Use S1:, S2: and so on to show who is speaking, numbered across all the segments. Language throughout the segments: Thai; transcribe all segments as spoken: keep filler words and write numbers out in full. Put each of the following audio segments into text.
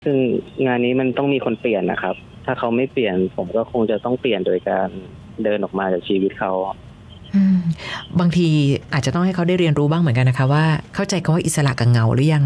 S1: ซึ่งงานนี้มันต้องมีคนเปลี่ยนนะครับถ้าเขาไม่เปลี่ยนผมก็คงจะต้องเปลี่ยนโดยการเดินออกมาจากชีวิตเขา
S2: บางทีอาจจะต้องให้เขาได้เรียนรู้บ้างเหมือนกันนะคะว่าเข้าใจคำว่าอิสระกับเหงาหรือยัง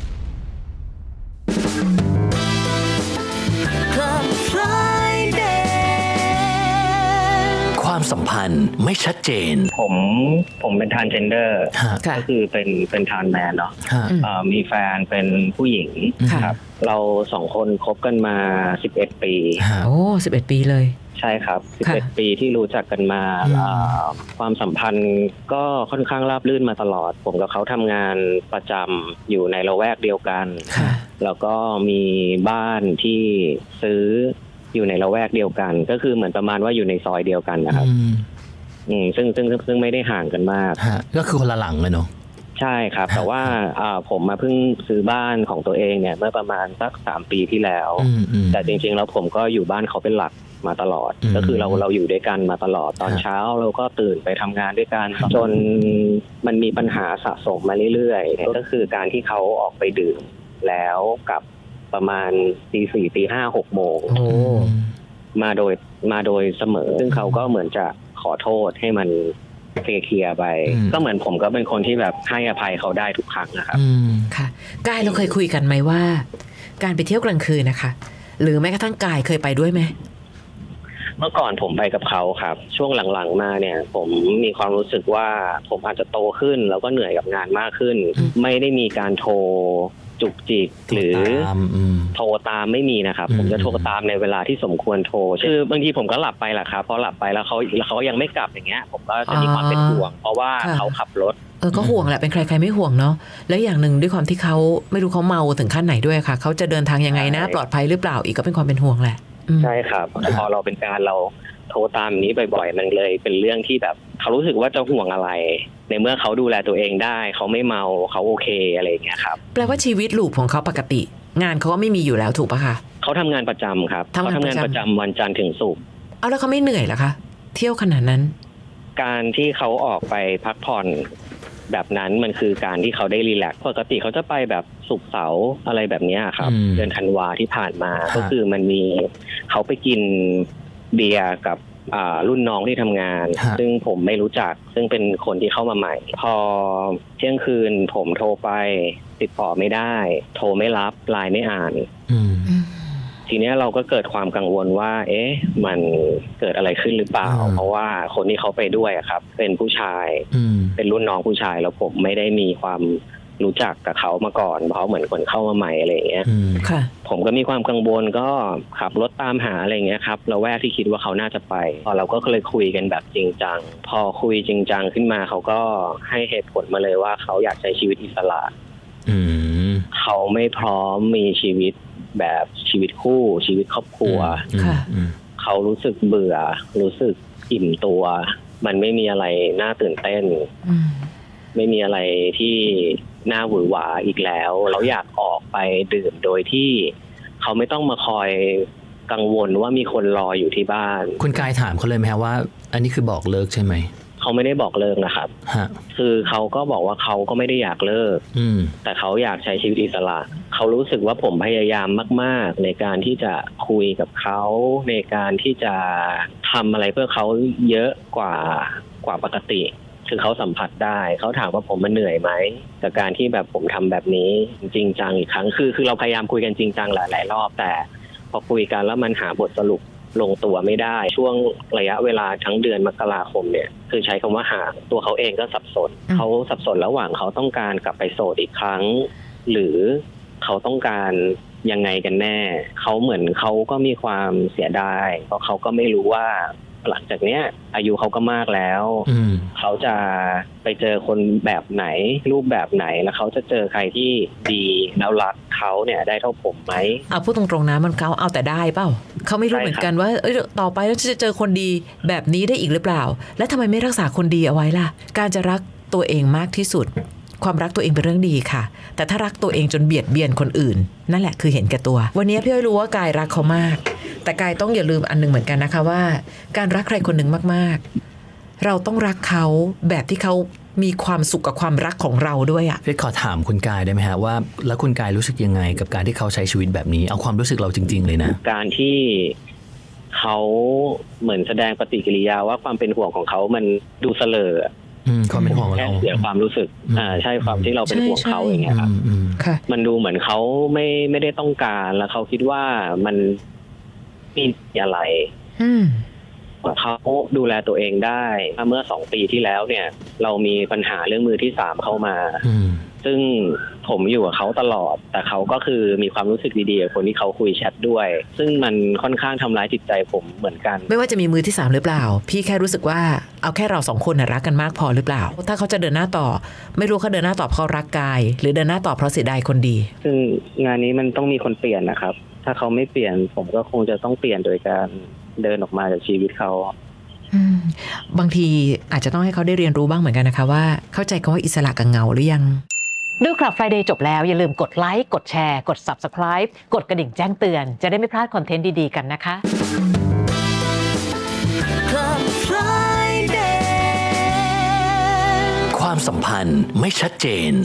S3: ความสัมพันธ์ไม่ชัดเจน
S1: ผมผมเป็นทรานส์เจนเดอร์ก็คือเป็นเป็นทรานส์แมนเนาะมีแฟนเป็นผู้หญิงครับเราสองคนคบกันมาสิบเอ็ดปี
S2: โอ้สิบเอ็ดปีเลย
S1: ใช่ครับสิบเอ็ดปีที่รู้จักกันมาความสัมพันธ์ก็ค่อนข้างราบรื่นมาตลอดผมกับเขาทำงานประจำอยู่ในละแวกเดียวกันแล้วก็มีบ้านที่ซื้ออยู่ในละแวกเดียวกันก็คือเหมือนประมาณว่าอยู่ในซอยเดียวกันนะครับอืมซึ่งซึ่งซึ่งไม่ได้ห่างกันมาก
S3: ก็คือคนละหลังเลยเนาะ
S1: ใช่ครับแต่ว่าผมมาเพิ่งซื้อบ้านของตัวเองเนี่ยเมื่อประมาณสักสามปีที่แล้วแต่จริงๆแล้วผมก็อยู่บ้านเขาเป็นหลักมาตลอดก็คือเราเราอยู่ด้วยกันมาตลอดตอนเช้าเราก็ตื่นไปทำงานด้วยกันจนมันมีปัญหาสะสมมาเรื่อยๆก็คือการที่เขาออกไปดื่มแล้วกับประมาณตีสี่ตีห้าหกโมงมาโดยมาโดยเสมอซึ่งเขาก็เหมือนจะขอโทษให้มันเคลียร์ไปก็เหมือนผมก็เป็นคนที่แบบให้อภัยเขาได้ทุกครั้งนะครับ
S2: ค่ะกายเราเคยคุยกันไหมว่าการไปเที่ยวกลางคืนนะคะหรือแม้กระทั่งกายเคยไปด้วยไหม
S1: เมื่อก่อนผมไปกับเขาครับช่วงหลังๆมาเนี่ยผมมีความรู้สึกว่าผมอาจจะโตขึ้นแล้วก็เหนื่อยกับงานมากขึ้นไม่ได้มีการโทรจุกจิกหรือโทรตามไม่มีนะครับผมจะโทรตามในเวลาที่สมควรโทรคือบางทีผมก็หลับไปแหละครับพอหลับไปแล้วเขาแล้วเขายังไม่กลับอย่างเงี้ยผมก็จะมีความเป็นห่วงเพราะว่าเขาขับรถ
S2: เออก็ห่วงแหละเป็นใครใครไม่ห่วงเนาะแล้วอย่างหนึ่งด้วยความที่เขาไม่รู้เขาเมาถึงขั้นไหนด้วยค่ะเขาจะเดินทางยังไงนะปลอดภัยหรือเปล่าอีกก็เป็นความเป็นห่วงแหละ
S1: ใช่ครับพอเราเป็นการเราโทรตามนี้บ่อยๆมันเลยเป็นเรื่องที่แบบเขารู้สึกว่าจะห่วงอะไรในเมื่อเขาดูแลตัวเองได้เขาไม่เมาเขาโอเคอะไรอย่างเงี้ยครับ
S2: แปลว่าชีวิตลูกของเขาปกติงานเขาก็ไม่มีอยู่แล้วถูกปะคะ
S1: เขาทำงานประจำครับเขาทำงานประจำวันจันทร์ถึงศุกร์
S2: เอาแล้วเขาไม่เหนื่อยเหรอคะเที่ยวขนาดนั้น
S1: การที่เขาออกไปพักผ่อนแบบนั้นมันคือการที่เขาได้รีแลกซ์ปกติเขาจะไปแบบศุกร์เสาร์อะไรแบบนี้ครับเดือนธันวาที่ผ่านมาก็คือมันมีเขาไปกินเบียร์กับรุ่นน้องที่ทำงานซึ่งผมไม่รู้จักซึ่งเป็นคนที่เข้ามาใหม่พอเที่ยงคืนผมโทรไปติดต่อไม่ได้โทรไม่รับไลน์ไม่อ่านทีนี้เราก็เกิดความกังวลว่าเอ๊ะมันเกิดอะไรขึ้นหรือเปล่าเพราะว่าคนที่เขาไปด้วยครับเป็นผู้ชายเป็นรุ่นน้องผู้ชายแล้วผมไม่ได้มีความรู้จักกับเขามาก่อนเพราะเหมือนคนเข้ามาใหม่อะไรอย่างเงี้ยผมก็มีความกังวลก็ขับรถตามหาอะไรอย่างเงี้ยครับเราแวกที่คิดว่าเขาน่าจะไปพอเราก็เลยคุยกันแบบจริงจังพอคุยจริงจังขึ้นมาเขาก็ให้เหตุผลมาเลยว่าเขาอยากใช้ชีวิตอิสระเขาไม่พร้อมมีชีวิตแบบชีวิตคู่ชีวิตครอบครัวเขารู้สึกเบื่อรู้สึกอิ่มตัวมันไม่มีอะไรน่าตื่นเต้นไม่มีอะไรที่น่าหวือหวาอีกแล้วเขาอยากออกไปดื่มโดยที่เขาไม่ต้องมาคอยกังวลว่ามีคนรออยู่ที่บ้าน
S3: คุณกายถามเขาเลยไหมว่าอันนี้คือบอกเลิกใช่ไหม
S1: เขาไม่ได้บอกเลิกนะครับคือเขาก็บอกว่าเขาก็ไม่ได้อยากเลิกแต่เขาอยากใช้ชีวิตอิสระเขารู้สึกว่าผมพยายามมากๆในการที่จะคุยกับเขาในการที่จะทำอะไรเพื่อเขาเยอะกว่ากว่าปกติคือเขาสัมผัสได้เขาถามว่าผมมันเหนื่อยไหมกับการที่แบบผมทำแบบนี้จริงจังอีกครั้งคือคือเราพยายามคุยกันจริงจังหลายๆรอบแต่พอคุยกันแล้วมันหาบทสรุปลงตัวไม่ได้ช่วงระยะเวลาทั้งเดือนมกราคมเนี่ยคือใช้คำว่าห่างตัวเขาเองก็สับสนเขาสับสนระหว่างเขาต้องการกลับไปโสดอีกครั้งหรือเขาต้องการยังไงกันแน่เขาเหมือนเขาก็มีความเสียดายเพราะเขาก็ไม่รู้ว่าหลังจากเนี้ยอายุเขาก็มากแล้วเขาจะไปเจอคนแบบไหนรูปแบบไหนแล้วเขาจะเจอใครที่ดีแล้วรักเขาเนี่ยได้เท่าผมไหม
S2: เอาพูดตรงๆนะมันเขาเอาแต่ได้เปล่าเขาไม่รู้เหมือนกันว่าเอ้ยต่อไปแล้วจะเจอคนดีแบบนี้ได้อีกหรือเปล่าและทำไมไม่รักษาคนดีเอาไว้ล่ะการจะรักตัวเองมากที่สุดความรักตัวเองเป็นเรื่องดีค่ะแต่ถ้ารักตัวเองจนเบียดเบียนคนอื่นนั่นแหละคือเห็นแก่ตัววันนี้พี่อ้อยรู้ว่ากายรักเขามากแต่กายต้องอย่าลืมอันนึงเหมือนกันนะคะว่าการรักใครคนหนึ่งมากๆเราต้องรักเขาแบบที่เขามีความสุขกับความรักของเราด้วยอะ
S3: พี่ขอถามคุณกายได้ไหมฮะว่าแล้วคุณกายรู้สึกยังไงกับการที่เขาใช้ชีวิตแบบนี้เอาความรู้สึกเราจริงๆเลยนะ
S1: การที่เขาเหมือนแสดงปฏิกิริยาว่าความเป็นห่วงของเขามันดูเสลอ
S3: อืมความเป็นห่วง
S1: แค่
S3: เรา
S1: เสียความรู้สึกอ่าใช่ความที่เราเป็นห่วงเขาอย่างเงี้ยครับมันดูเหมือนเขาไม่ไม่ได้ต้องการแล้วเขาคิดว่ามันมีอะไรเขาดูแลตัวเองได้เมื่อสองปีที่แล้วเนี่ยเรามีปัญหาเรื่องมือที่สามเข้ามาซึ่งผมอยู่กับเขาตลอดแต่เขาก็คือมีความรู้สึกดีๆกับคนที่เขาคุยแชทด้วยซึ่งมันค่อนข้างทำร้ายจิตใจผมเหมือนกัน
S2: ไม่ว่าจะมีมือที่สามหรือเปล่าพี่แค่รู้สึกว่าเอาแค่เราสองคนน่ะรักกันมากพอหรือเปล่าถ้าเขาจะเดินหน้าต่อไม่รู้เขาเดินหน้าต่อเพราะรักกายหรือเดินหน้าต่อเพราะเสียดายคนดี
S1: ซึ่งงานนี้มันต้องมีคนเปลี่ยนนะครับถ้าเขาไม่เปลี่ยนผมก็คงจะต้องเปลี่ยนโดยการเดินออกมาจากชีวิตเขา
S2: บางทีอาจจะต้องให้เขาได้เรียนรู้บ้างเหมือนกันนะคะว่าเข้าใจคำว่าอิสระกับเงาหรือยัง
S4: ดูคลับ Friday จบแล้วอย่าลืมกดไลค์กดแชร์กด Subscribe กดกระดิ่งแจ้งเตือนจะได้ไม่พลาดคอนเทนต์ดีๆกันนะคะ
S3: Club Friday ความสัมพันธ์ไม่ชัดเจน